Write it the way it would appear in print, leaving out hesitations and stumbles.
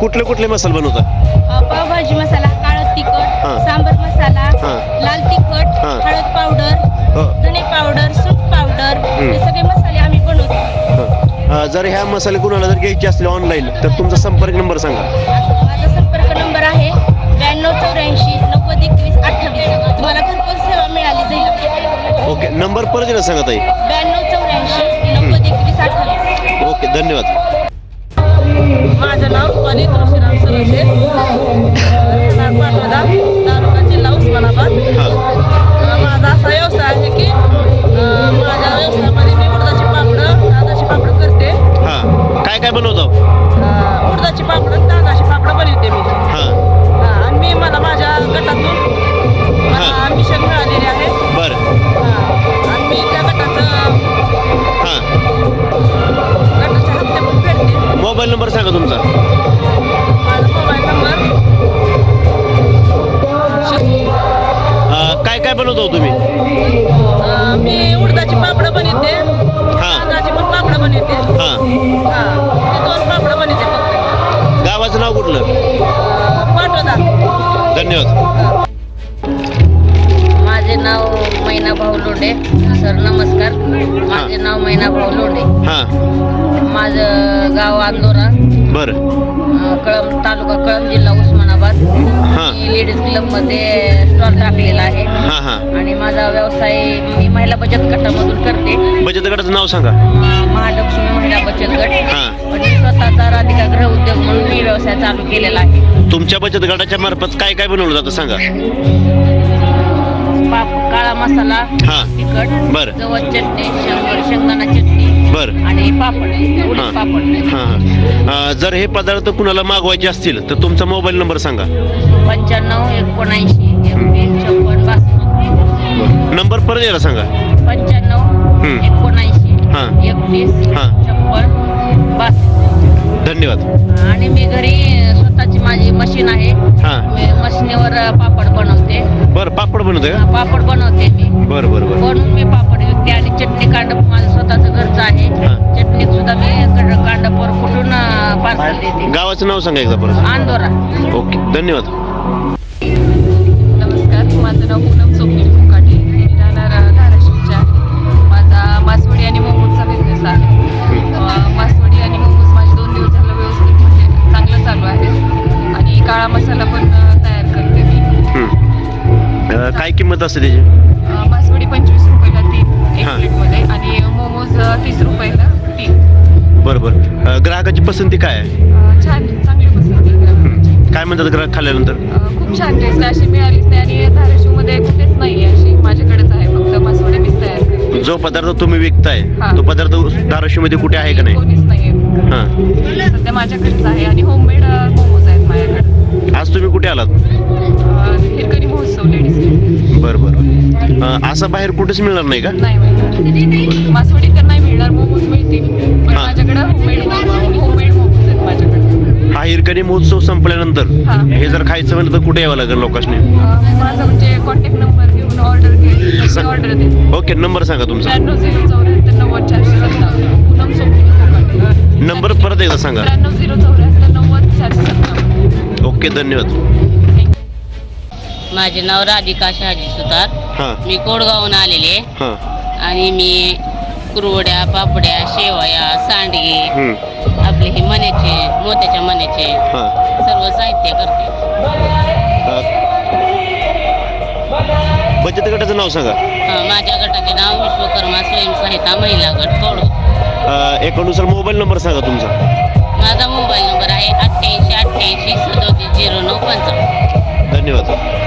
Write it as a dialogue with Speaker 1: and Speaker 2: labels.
Speaker 1: कुठले कुठले मसाले बनवता?
Speaker 2: पावभाजी मसाला, काळा तिखट, सांबर मसाला, लाल तिखट, हळद पावडर, धने पावडर, सूप पावडर, हे सगळे मसाले आम्ही बनवतो.
Speaker 1: जर ह्या मसाले कुणाला जर घ्यायचे असले ऑनलाईन तर तुमचा संपर्क नंबर सांगा.
Speaker 2: माझा संपर्क नंबर आहे 9284 90 21 28. तुम्हाला घरपोच सेवा मिळाली जाईल.
Speaker 1: ओके, नंबर परत एकदा सांगा ताई.
Speaker 2: 9284 90 21 28.
Speaker 1: ओके, धन्यवाद.
Speaker 3: माझं नाव रुपाली तुळशीराम सरसे, पाटोदा, तालुका जिल्हा उस्मानाबाद. माझा असा व्यवसाय आहे की माझ्या व्यवसायामध्ये मी उडदाची पापडं, तांदळाची पापडं करते.
Speaker 1: काय काय बनवतो?
Speaker 3: उडदाची पापडं, तांदळाची पापडं बनवते मी. आणि मी मला माझ्या गटातून मिशन मिळालेले आहे.
Speaker 1: बरं.
Speaker 3: आणि मी त्या गटाच्या हप्ते पण फेडते.
Speaker 1: मोबाईल नंबर सांगा तुमचा.
Speaker 3: माझा मोबाईल नंबर
Speaker 1: काय काय बनवतो तुम्ही?
Speaker 3: मी उडदाची पापडं बनवते, तांदळाची पण पापडं बनवते. ते 2 पापडं बनवते फक्त.
Speaker 1: गावाचं नाव कुठलं?
Speaker 3: पाटोदा.
Speaker 1: धन्यवाद.
Speaker 4: माझे नाव मैना भाऊ लोंढे. सर नमस्कार. माझे नाव मैना भाऊ लोंढे. माझं गाव अंदोरा.
Speaker 1: बरं.
Speaker 4: कळंब तालुका, कळंब जिल्हा उस्मानाबाद. मी लेडीज क्लब मध्ये स्टॉल टाकलेला आहे. आणि माझा व्यवसाय मी महिला बचत गटामधून करते.
Speaker 1: बचत गटाचं नाव सांगा.
Speaker 4: महालक्ष्मी महिला बचत गट. पण मी स्वतःचा राधिका गृह उद्योग म्हणून मी व्यवसाय चालू केलेला आहे.
Speaker 1: तुमच्या बचत गटाच्या मार्फत काय काय बनवलं जातं सांगा.
Speaker 4: काळा मसाला, तिखट,
Speaker 1: बरं,
Speaker 4: जवळ चटणी, शेंगदाणा चटणी,
Speaker 1: बरं,
Speaker 4: आणि पापड, उडीद पापड.
Speaker 1: जर हे पदार्थ कुणाला मागवायचे असतील तर तुमचा मोबाईल नंबर सांगा.
Speaker 4: 95 79 31 56 62.
Speaker 1: नंबर परत यायला सांगा.
Speaker 4: 95 79 31 56 62.
Speaker 1: धन्यवाद.
Speaker 4: आणि मी घरी स्वतःची माझी मशीन आहे. मी मशीनीवर पापड बनवते.
Speaker 1: बरं, पापड बनवते का?
Speaker 4: पापड बनवते मी.
Speaker 1: बरं बरं बरं.
Speaker 4: बनवून मी पापड विकते. आणि चटणी कांड माझं स्वतःचं घरचं आहे. चटणी सुद्धा मी कांडपर कुठून पार्सल देते.
Speaker 1: गावाचं नाव सांगा एकदा परत.
Speaker 4: अंदोरा.
Speaker 1: ओके, धन्यवाद.
Speaker 3: नमस्कार, माझं नाव पूनम सोपनील मुकाटे. मी राहणार धाराशिवच्या आहे. माझा मासवडी आणि मोमोजचा बिझनेस आहे. मासवडी आणि मोमोज माझे 2 दिवस झालं व्यवस्थित म्हणजे चांगलं चालू आहे. आणि काळा मसाला पण तयार करते मी.
Speaker 1: काय किंमत असते त्याची?
Speaker 3: मासवडी 25 रुपयाला 3 एक प्लेटमध्ये, आणि मोमोज 30 रुपयाला 3.
Speaker 1: बरं बरं. ग्राहकाची पसंती काय आहे?
Speaker 3: छान, चांगली पसंती आहे.
Speaker 1: काय म्हणतात ग्राहक खाल्ल्यानंतर?
Speaker 3: खूप छान टेस्ट अशी मिळालीच नाही. आणि धाराशिवमध्ये कुठेच नाही आहे अशी, माझ्याकडेच आहे. फक्त मासवडी मीच तयार करते.
Speaker 1: जो पदार्थ तुम्ही विकताय तो पदार्थ धाराशिवमध्ये कुठे आहे का नाही?
Speaker 3: कोणीच नाही. सध्या माझ्याकडेच आहे. आणि होममेड मोमोज आहेत माझ्याकडे.
Speaker 1: आज तुम्ही कुठे आलात?
Speaker 3: हिरकणी महोत्सव लेडीज.
Speaker 1: बरं बरं. असं बाहेर कुठेच मिळणार नाही का?
Speaker 3: नाही मिळणार. मासवडी तर नाही मिळणार, मोमोज मिळतील. पण माझ्याकडे होममेड मोमोज आहेत माझ्याकडे.
Speaker 1: हा हिरकणी महोत्सव संपल्यानंतर हे जर खायचं म्हणलं तर कुठे यावं लागेल लोकांनी?
Speaker 3: माझा म्हणजे कॉन्टॅक्ट नंबर घेऊन ऑर्डर केली, ऑर्डर देते.
Speaker 1: ओके, नंबर सांगा तुमचा.
Speaker 3: 93 074 457. पूनम सोपनील मुकाटे.
Speaker 1: नंबर परत एकदा सांगा.
Speaker 3: 93 074 90 457.
Speaker 1: ओके, धन्यवाद.
Speaker 4: माझे नाव राधिका शहाजी सुतार. मी कोडगावहून आलेले. आणि मी कुरवड्या, पापड्या, शेवया, सांडगे, आपले हे मण्याचे, मोत्याच्या मण्याचे सर्व साहित्य करते.
Speaker 1: बचत गटाचं नाव सांगा.
Speaker 4: माझ्या गटाचे नाव विश्वकर्मा स्वयंसहायता महिला गट कोडो.
Speaker 1: एकानुसार मोबाईल नंबर सांगा तुमचा.
Speaker 4: माझा मोबाईल नंबर आहे 88 88 37 09 55.
Speaker 1: धन्यवाद.